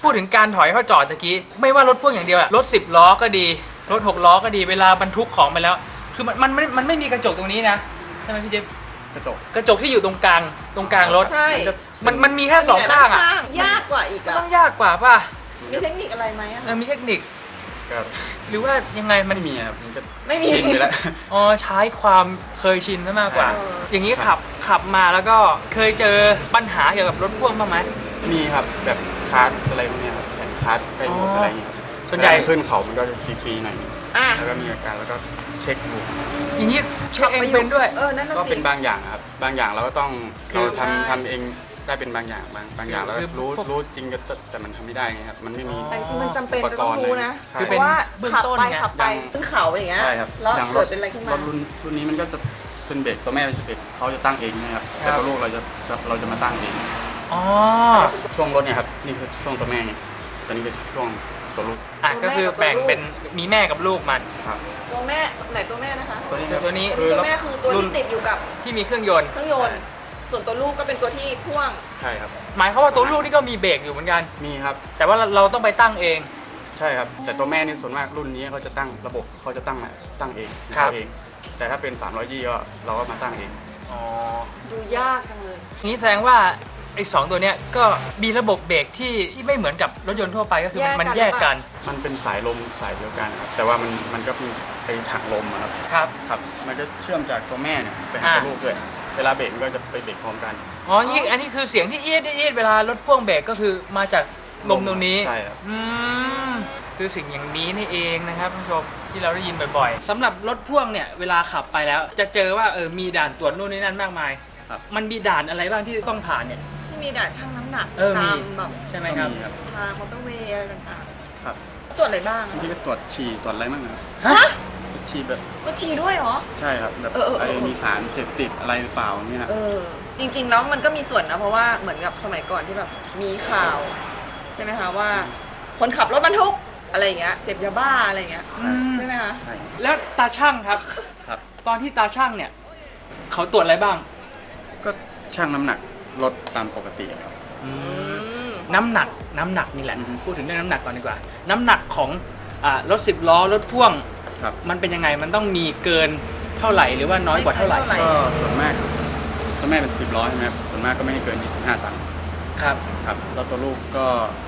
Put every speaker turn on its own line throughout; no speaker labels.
พูดถึงการถอยเข้าจอดตะกี้ไม่ว่ารถพ่วงอย่างเดียวอะรถ10 ล้อก็ดีรถ6 ล้อก็ดีเวลาบรรทุกของไปแล้วคือมันไม่มีกระจกตรงนี้นะใช่ไหมพี่เจฟกระจกที่อยู่ตรงกลางรถ
ใช่
มันมีแค่2 ข้างอะ
ยากกว่าอีกอะ
ต้องยากกว่าป่ะ
มีเทคนิคอะไรไหมอะ
มีเทคนิคหรือว่ายังไงมัน
มีครับมันก็
ไม่มี
ชินไปแล้ว
อ๋อใช้ความเคยชินซะมากกว่าอย่างนี้ขับมาแล้วก็เคยเจอปัญหาเกี่ยวกับรถพ่วงบ้างไหม
มีครับแบบคาร์ดอะไรพวกนี้ครับแผ่นคาร์ดใกล้หมดอะไรอย่างเงี้ย
ส่วนใหญ่
ขึ้นเขามันก็จะฟรีๆหน่อยแล้วก็มีอาการแล้วก็เช็คดู
อย่างนี้เช็คเองเป็นด้วย
ก็เป็นบางอย่างครับบางอย่างเราก็ต้องเราทำเองได้เป็นบางอย่างแล้วรู้จริงแต่มันทำไม่ได้ไงครับมันไม่มี
แต่จริงมันจำเป็นต้องรู้นะคือเป็นว่าขับไปขึ้นเขาอย่างเงี้ยแล้วเกิดเป็นอะไรขึ้นมา
รุ่นนี้มันก็จะเป็นเบรกตัวแม่จะเบรกเขาจะตั้งเองนะครับแต่ตัวลูกเราจะมาตั้งเองช่วงรถเนี่ยครับนี่คือช่วงตัวแม่ไงตอนนี้เป็นช่วงตัวลูก
ก็คือแบ่งเป็นมีแม่กับลูกมัน
ตัวแม่ไหนตัวแม่นะคะ
ตัวนี้
ตัวแม่คือตัวที่ติดอยู่กับ
ที่มีเครื่องยนต์
ส่วนตัวลูกก็เป็นตัวที่พ่วง
ใช่ครับ
หมายความว่าตัวลูกนี่ก็มีเบรกอยู่เหมือนกัน
มีครับ
แต่ว่าเราต้องไปตั้งเอง
ใช่ครับแต่ตัวแม่นี่ส่วนมากรุ่นนี้เขาจะตั้งระบบเขาจะตั้งเองแต่ถ้าเป็น320ก็เราก็มาตั้งเอง
ดูยากจังเลย
นี้แสดงว่าไอ้2ตัวเนี้ยก็มีระบบเบรกที่ไม่เหมือนกับรถยนต์ทั่วไปก็คือมันแยกกัน
มันเป็นสายลมสายเดียวกันครับแต่ว่ามันก็มีไอ้ถังลมครับมันจะเชื่อมจากตัวแม่เนี่ยไปหาตัวลูกด้วยเวลาเบรกมันก็จะไปเบรกพร้อมกัน
อันนี้คือเสียงที่เอียดเวลารถพ่วงเบรกก็คือมาจากลมตรงนี้
ใช่ครับ
คือสิ่งอย่างนี้นี่เองนะครับท่านผู้ชมที่เราได้ยินบ่อยๆสำหรับรถพ่วงเนี่ยเวลาขับไปแล้วจะเจอว่ามีด่านตรวจนู่นนี่นั่นมากมายมันมีด่านอะไรบ้างที่ต้องผ่านเนี่ย
ที่มีด่านชั่งน้ำหนักตามแบบ
ใช่ไหมครับ
ทางมอเตอร์เวย์อะไรต่าง
ๆครับ
ตรวจอะไรบ้าง
ที่ก็ตรวจฉี่ตรวจอะไรบ้างครับฉี่แบบ
ก็ฉี่ด้วยเหรอ
ใช่ครับแบบมีสารเสพติดอะไรหรือเปล่าเนี่ย
จริงๆแล้วมันก็มีส่วนนะเพราะว่าเหมือนกับสมัยก่อนที่แบบมีข่าวใช่ไหมคะว่าคนขับรถบรรทุกอะไรอย่างเงี้ยเสพยาบ้าอะไรอย่างเงี้ยใช่ไหมคะ
แล้วตาช่างครับตอนที่ตาช่างเนี่ยเขาตรวจอะไรบ้าง
ก็ช่างน้ำหนักรถตามปกติครับ
น้ำหนักนี่แหละพูดถึงเรื่องน้ำหนักก่อนดีกว่าน้ำหนักของรถ10 ล้อรถพ่วงมันเป็นยังไงมันต้องมีเกินเท่าไหร่หรือว่าน้อยกว่าเท่าไหร่
ก็ส่วนมากตัวแม่เป็น10 ล้อใช่ไหมครับส่วนมากก็ไม่ให้เกิน25 ตัน
ครับ
แล้วตัวลูกก็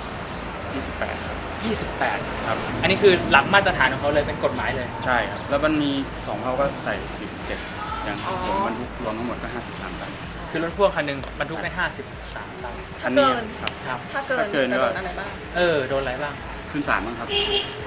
28ครับ
28ครับอันนี้คือหลักมาตรฐานของเขาเลยเป็นกฎหมายเลย
ใช่ครับแล้วมันมี2เขาก็ใส่47อย่างผมบรรทุกรวมทั้งหมดก็53 ตัน
คือรถพ่วงคันหนึ่งบรรทุกได้53 ตัน
คันนี้
ครับถ้าเกินจะโดนอะไรบ้าง
โดนอะไรบ้าง
ขึ้นศาลบ้างครับ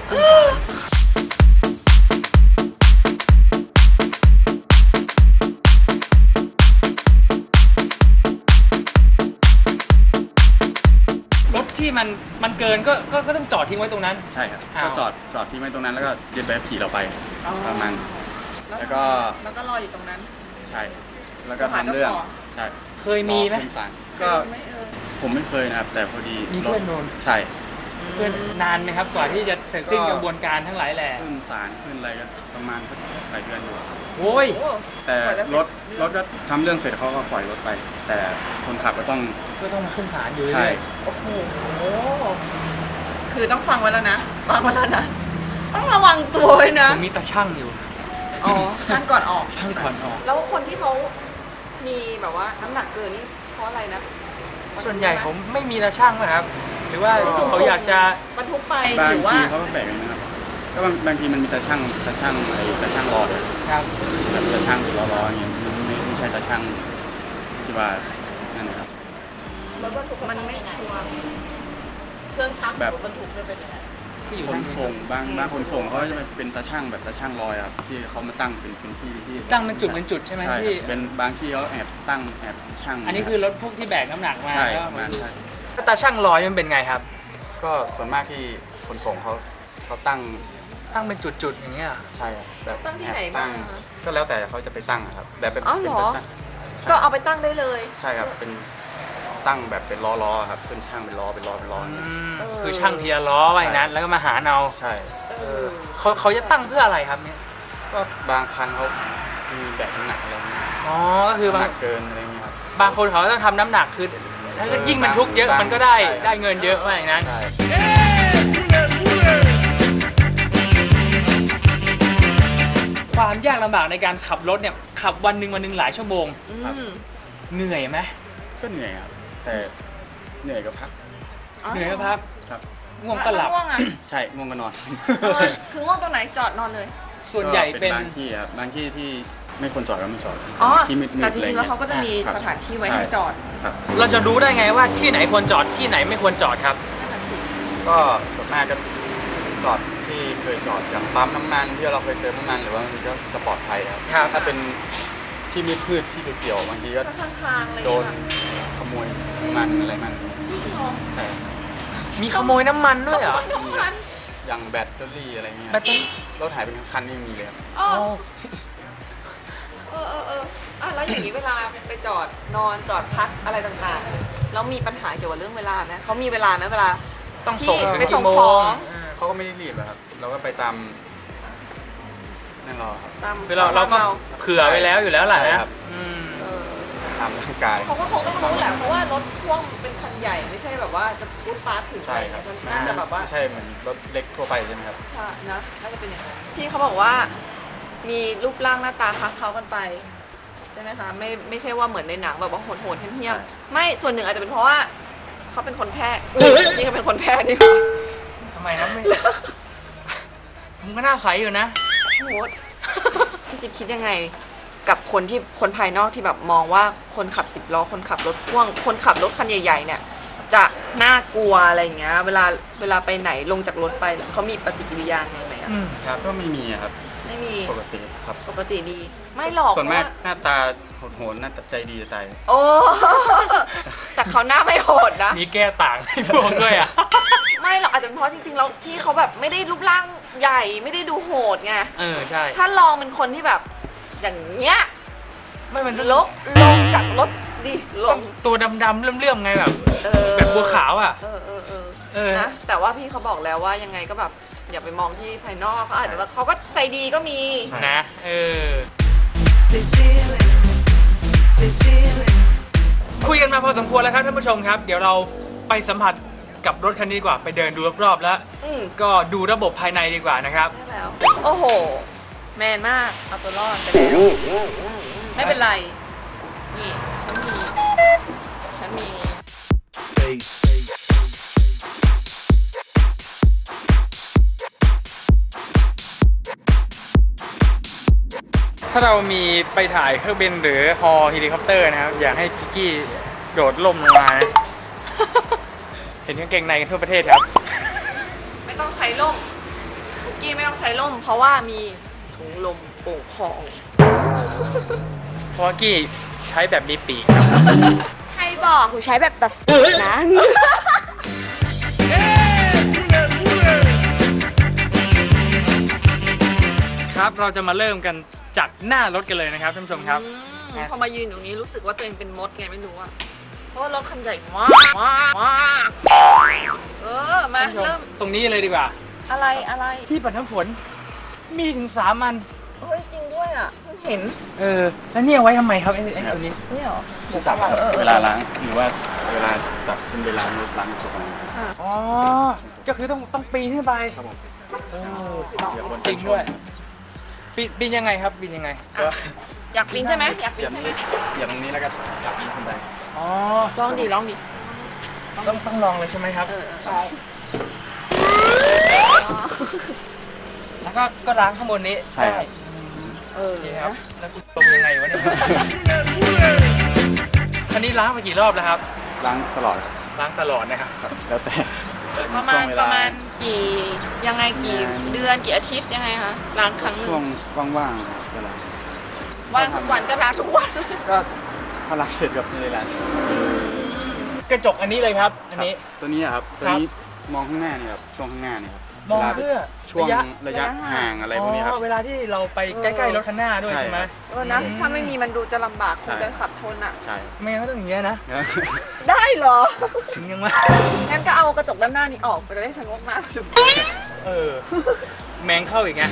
รถที่มันเกินก็ต้องจอดทิ้งไว้ตรงนั้น
ใช่ครับก็จอดทิ้งไว้ตรงนั้นแล้วก็ยึดใบขับขี่เราไปประมาณแล้วก็
รออยู่ตรงนั้น
ใช่แล้วก็ทำเรื่องใช่
เคยมีไหม
ก็ผมไม่เคยนะครับแต่พอดี
มีเพื่อนโดน
ใช่
เพื่อนนานไหมครับกว่าที่จะเสร็จสิ้นกระบวนการทั้งหลายแหล่
ขึ้นศาลขึ้นอะไรกันประมาณหลายเดือนอยู่
โอ้ย
แต่รถก็ทำเรื่องเสร็จเขาก็ปล่อยรถไปแต่คนขับก็ต้อง
มาขึ้นศาลอยู่
ใช่
โอ้โหคือต้องฟังไว้แล้วนะต้องระวังตัวไว้นะ
มีตาช่างอยู่
ช่างก่อนออก
แล้ว
คนที่เขามีแบบว่าน้ำหนักเกินนี่เพราะอะไรนะ
ส่วนใหญ่ผมไม่มีตาช่างนะครับหรือว่าเขาอยากจะ
บรรทุกไป
หรือว่าบางทีเขาก็แบ่งนะครับก็บางทีมันมีตาช่างรอเลย
ครับ
แบบตาช่างล้ออย่างเงี้ยไม่ใช่ตาช่างที่ว่านั่นนะครับ
มันไม่ชัวร์เครื่องชักแบบบรรทุกเป็นยังไง
คนส่งบางคนส่งเขาจะเป็นตาช่างแบบตาช่างลอยครับที่เขามาตั้งเป็นที่
ตั้งเป็นจุดใช่ไหมที่
เป็นบางที่เขาแอบตั้งแอบช่าง
อันนี้คือรถพวกที่แบกน้ำหนักมา
ใช่
ตาช่างลอยมันเป็นไงครับ
ก็ส่วนมากที่คนส่งเขาตั้ง
เป็นจุดอย่างเงี้ย
ใช่แบบ
ตั้งที่ไหนบ้าง
ก็แล้วแต่เขาจะไปตั้งครับแบบเป็น
ก็เอาไปตั้งได้เลย
ใช่ครับเป็นตั้งแบบเป็นล้อครับขึ้นช่างเป็นล้อ
คือช่างทีละล้อไว้นั้นแล้วก็มาหาเอา
ใช่
เขาจะตั้งเพื่ออะไรครับเนี่ย
ก็บางคันเขามีแบกน้ำหนักอะไร
ก็คือบาง
เกินอะไรเงี้ยครับ
บางคนเขาต้องทำน้ำหนักคือแล้วก็ยิ่งบรรทุกเยอะมันก็ได้เงินเยอะว่าอย่างนั้นความยากลำบากในการขับรถเนี่ยขับวันหนึ่งหลายชั่วโมงเหนื่อยไหม
ก็เหนื่อยครับแต่เหนื่อยก็พัก
เหนื่อยก็พัก
ครับ
ง่วงก็หลับ
ใช่ง่วงก็นอน
คือง่วงตรงไหนจอดนอนเลย
ส่วนใหญ่เป็น
บางที่ครับบางที่ที่ไม่ควรจอดก็ไม่จอด
ที่มืดๆแต่จริงๆแล้วเขาก็จะมีสถานที่ไว้ให้จอด
เราจะรู้ได้ไงว่าที่ไหนควรจอดที่ไหนไม่ควรจอดครับ
ก็ส่วนมากก็จอดที่เคยจอดอย่างปั๊มน้ำมันที่เราเคยเติมน้ำมันหรือว่ามันก็จะปลอดภัยครับถ้าเป็นที่มืดๆที่เกี่ยวบางทีก็โดนขโมยน้ำมันอะไรมันใช่
มีขโมยน้ำมันด้วยเหรอ
อย่างแบตเตอรี่อะไรเงี้ยรถหายเป็นคันนี่มีเลยครับ
แล้วอย่างนี้เวลาไปจอดนอนจอดพักอะไรต่างๆแล้วมีปัญหาเกี่ยวกับเรื่องเวลาไหมเขามีเวลาไหมเวลา
ต้องส่ง
ไปส่งของ
เขาก็ไม่ได้รีบครับเราก็ไปตามนั่นรอครับ
คือเราก็เผื่อไว้แล้วอยู่แล้วแหละนะ
ตามร่างกาย
เขาก็คงต้องรู้แหละเพราะว่ารถพ่วงเป็นคันใหญ่ไม่ใช่แบบว่าจะพูดฟาสถึงอะไรน่าจะแบบว่า
ใช่เหมือนรถเล็กทั่วไปใช่ไหมครับ
ใช่นะน่าจะเป็นอย่างนั้นพี่เขาบอกว่ามีรูปร่างหน้าตาคล้ายเขากันไปใช่ไหมคะไม่ใช่ว่าเหมือนในหนังแบบว่าโหดๆเหี้ยมๆไม่ส่วนหนึ่งอาจจะเป็นเพราะว่าเขาเป็นคนแพ้นี่ก็เป็นคนแพ้นี่
ทำไมนะไม่มึงก็น่าใสอยู่นะ
โหดพี่จิ๊บคิดยังไงกับคนภายนอกที่แบบมองว่าคนขับ10 ล้อคนขับรถพ่วงคนขับรถคันใหญ่ๆเนี่ยจะน่ากลัวอะไรเงี้ยเวลาไปไหนลงจากรถไปเขามีปฏิกิริยาไงไหม
ครับก็ไม่มีครับ
ไม่มี
ปกติครับ
ปกติดีไม่หรอก
ส่วนมากหน้าตาโหดหน้าใจดีจะตาย
โอ้แต่เขาหน้าไม่โหดนะ
มีแก้ต่างให้พวกด้วยอ่ะ
ไม่หรอกอาจจะเพราะจริงๆแล้วพี่เขาแบบไม่ได้รูปร่างใหญ่ไม่ได้ดูโหดไง
ใช่
ถ้าลองเป็นคนที่แบบอย่างเงี้ย
ไม่มัน
ลงจากรถดิลง
ตัวดำๆเลื่อมๆไงแบบบัวขาวอ่ะ
นะแต่ว่าพี่เขาบอกแล้วว่ายังไงก็แบบอย่าไปมองที่ภายนอกเขาอาจจะว่าเขาก็ใจดีก็มี
นะคุยกันมาพอสมควรแล้วครับท่านผู้ชมครับเดี๋ยวเราไปสัมผัสกับรถคันนี้ดีกว่าไปเดินดูรอบๆแล้วก็ดูระบบภายในดีกว่านะครับ
โอ้โหแมนมากเอาตัวรอดไปแล้วไม่เป็นไรนี่ฉันมี
ถ้าเรามีไปถ่ายเครื่องบินหรือฮอเฮลิคอปเตอร์นะครับอยากให้กิกกี้โดดล่มลงมานะเห็นกางเกงในกันทั่วประเทศครับ
ไม่ต้องใช้ล่มกิกกี้ไม่ต้องใช้ล่มเพราะว่ามีถุงลมโป่งพอง
เพราะกี้ใช้แบบมีปีกครับ
ใครบอกกูใช้แบบตัดสูตร
นะครับเราจะมาเริ่มกันจากหน้ารถกันเลยนะครับท่านผู้ชมครับ
พอมายืนตรงนี้รู้สึกว่าตัวเองเป็นมดไงไม่รู้อะเพราะว่ารถคันใหญ่มากมาเริ่ม
ตรงนี้เลยดีกว่า
อะไร
ที่ปัดน้ำฝนมีถึง3 อัน
เฮ้ยจริงด้วยอ่ะเห็น
แล้วเนี่ยไว้ทำไมครับไอ้ตัวนี้
นี่หรอ
จับเวลาล้างหรือว่าเวลาจับขึ้นไปล้างรถล้างศพ
อ๋อก็คือต้องปีนขึ้นไปครับผมจริงด้วยปีนยังไงครับปีนยังไง
อยากปีนใช่ไหมอยากปีน
อย่างนี้แล้วก็อยากปีนขึ้นไป
อ๋อลองดิ
ต้องลองเลยใช่ไหมครับ
ใช่
แล้วก็ล้างข้างบนนี้
ใช่
ครับแล้วกูตรงยังไงวะเนี่ยคันนี้ล้างไปกี่รอบแล้วครับ
ล้างตลอด
นะครับ
แล้วแต่
ประมาณกี่เดือนกี่อาทิตย์ยังไงคะล้างครั้งนึง
ช่วงว่างๆก็ล้าง
ว่างทุกวันก็ล้างทุกวัน
ก็พอล้างเสร็จกับในร้าน
กระจกอันนี้เลยครับอันนี้
ตัวนี้ครับตัวนี้มองข้างหน้านี่ครับช่วงข้างหน้านี่ครับ
มองเพื่อ
ช่วงระยะห่างอะไรพวกนี้ครับ
เวลาที่เราไปใกล้ๆรถคันหน้าด้วยใช่ไหม
นะถ้าไม่มีมันดูจะลำบากคงจะขับชนอ่ะ
ใช่
ไม่งั้นก็ต้องอย่างเงี้ยนะ
ได้เหรอ
ถึงยังไง
งั้นก็เอากระจกด้านหน้านี้ออกไปจะได้ชะงกมาก
แมงเข้าอีกไง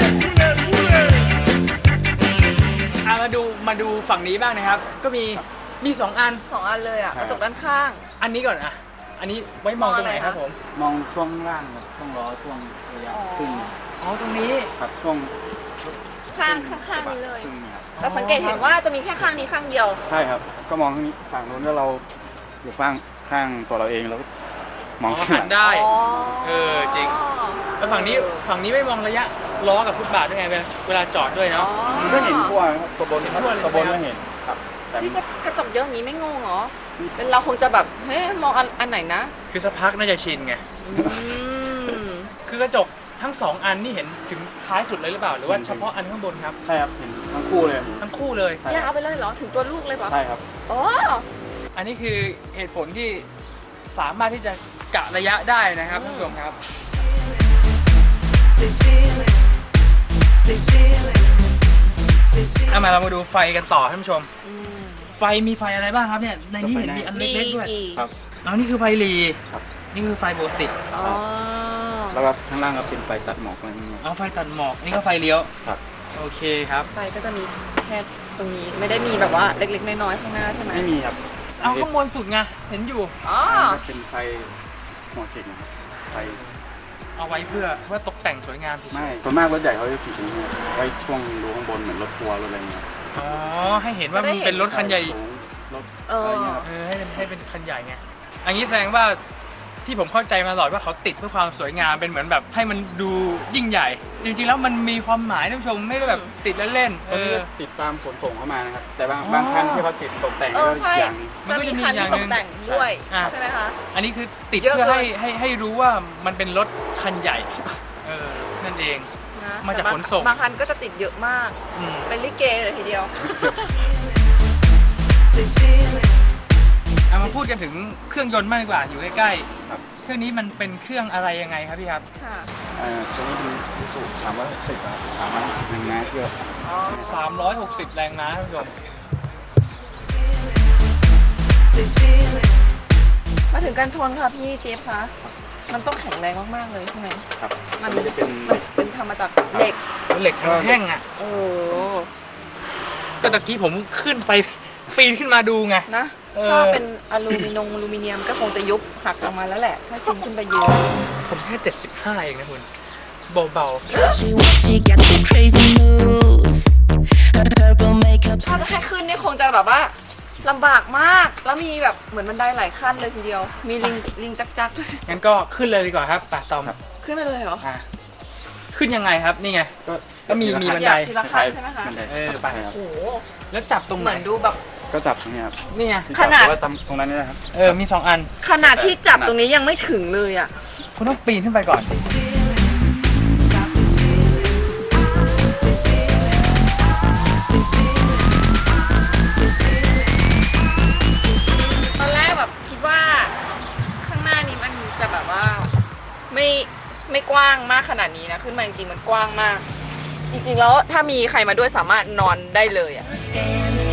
มาดูฝั่งนี้บ้างนะครับก็มีมี2 อัน
2 อันเลยอ่ะกระจกด้านข้าง
อันนี้ก่อนอะอันนี้ไว้มองตรงไหนครับผม
มองช่วงล่างครับช่วงล้อช่วงระยะครึ่ง
อ๋อตรงนี้
ครับช่วง
ข้างนี้เลย
ครึ่งครับ
แต่สังเกตเห็นว่าจะมีแค่ข้างนี้ข้างเดียว
ใช่ครับก็มองข้างนี้ฝั่งนู้นแล้วเราอยู่ข้างตัวเราเองแล้วมอง
หันได้
อ๋อ
จริง แล้วฝั่งนี้ไม่มองระยะล้อกับฟุตบาทด้วยไงเวลาจอดด้วยเนาะ
มันก็เห็นทั่วครับตัวบน
เห็นทั่วเลย
ตัวบนก็เห็นครับแต่
พี่กระจกเยอะอย่างนี้ไม่งงเหรอเป็นเราคงจะแบบเฮ้ยมองอันไหนนะ
คือสักพักน่าจะชินไง
อืม
คือกระจกทั้ง2 อันนี่เห็นถึงท้ายสุดเลยหรือเปล่าหรือว่าเฉพาะอันข้างบนครับ
ใช่ครับเห็นทั้งคู่เลย
ทั้งคู่เลย
ใช่
ยาวไปเลยเหรอถึงตัวลูกเลยเปล่ะ
ใช่ครับ
อ๋อ
อันนี้คือเหตุผลที่สามารถที่จะกะระยะได้นะครับท่านผู้ชมครับเอามาเรามาดูไฟกันต่อท่านผู้ชม ไฟมีไฟอะไรบ้างครับเนี่ยในนี้เห็นมีอันเล็กๆด้วย
ครับ
อ๋อนี่คือไฟหลี
ครับ
นี่คือไฟปกติ
อ๋อ
แล้วก็ข้างล่างก็เป็นไฟตัดหมอกอะไรอย่างเงี้ย
เอาไฟตัดหมอกนี่ก็ไฟเลี้ยว
ครับ
โอเคครับ
ไฟก็จะมีแค่ตรงนี้ไม่ได้มีแบบว่าเล็กๆน้อยๆข้างหน้าใช่ไหม
ไม่มีครับ
เอาข้างบนสุดไงเห็นอยู่
อ๋อ
มันเป็นไฟหัวเข็มนะครับไฟ
เอาไว้เพื่อตกแต่งสวยงามเฉยๆ
ไม่ส่วนมากรถใหญ่เขาจะติดตรงนี้ครับไว้ช่วงรูข้างบนเหมือนรถทัวร์รถอะไรเงี้ย
อ๋อให้เห็นว่ามันเป็นรถคันใหญ่
สูงรถอะไรเงี้ยครับ
ให้เป็นคันใหญ่ไงอันนี้แสดงว่าที่ผมเข้าใจมาตลอดว่าเขาติดเพื่อความสวยงามเป็นเหมือนแบบให้มันดูยิ่งใหญ่ จริงๆแล้วมันมีความหมายท่านผู้ชมไม่ได้แบบติดเล่นๆ
ตอนนี้ก็ติดตามขนส่งเข้ามานะครับ แต่บางคันที่เขาติดตกแต่ง
เอ
ก็
อใช่
อย่าง
จะมีคันที่ตกแต่งด้วย
อ่ะ
ใช่ไหมคะ
อันนี้คือติด
เยอะ
เพื่อ
เกิน
ให้รู้ว่ามันเป็นรถคันใหญ่นั่นเอง
นะ
มาจาก
แต่
ขนส่ง
บางคันก็จะติดเยอะมาก
อืม
เป็นลิเกเลยทีเดียว
เอามาพูดกันถึงเครื่องยนต์มากดีกว่าอยู่ใกล้
ครับ
ๆเครื่องนี้มันเป็นเครื่องอะไรยังไงครับพี่ครับ
ค่ะ
ตัวนี้เป็นยูสุ360ครับ360แรงม้าเยอะ
อ๋อ
360 แรงม้าท่านผู้ชม
มาถึงการชนค่ะพี่เจฟคะมันต้องแข็งแรงมากๆเลยใช่ไหม
ครับ
มัน
ตัวนี้จะเป็น
เป็นทำมาจากเหล็ก
เหล็กทั้งแท่งอ่ะ
โอ้
ก็ตะกี้ผมขึ้นไปปีนขึ้นมาดูไง
นะ
เออ
ถ้าเป็นอลูมิเนียมก็คงจะยุบหักออกมาแล้วแหละ ถ้าชินขึ้นไปยืน
ผมแค่75เองนะคุณเบา
She got the crazy moves. Her purple makeup.
ถ้าจะให้ขึ้นนี่คงจะแบบว่าลำบากมาก แล้วมีแบบเหมือนบันไดหลายขั้นเลยทีเดียว มีลิงจักๆด้วย
ๆงั้นก็ขึ้นเลยดีกว่าครับป่าตอม
ขึ้นไปเลยเหรอ
อ่ะขึ้นยังไงครับนี่ไง ก็มีบันได
ทีละขั้นใช่ไหมคะ
บันได
ไป
ใช่ครับ
โอ้โห
แล้วจับตรง
เห
ไหน
มือนดูแบบ
ก็จับตรงนี้ครับ
นี่ไง
ที่
ขนาด
จับหรือว่าตรงนั้นนี่นะครับ
มี2 อัน
ขนาดที่จับตรงนี้ยังไม่ถึงเลยอ่ะ
คุณต้องปีนขึ้นไปก่อน
ตอนแรกแบบคิดว่าข้างหน้านี้มันจะแบบว่าไม่กว้างมากขนาดนี้นะ ขึ้นมาจริงๆมันกว้างมาก จริงๆแล้วถ้ามีใครมาด้วยสามารถนอนได้เลยอ่ะ
Stand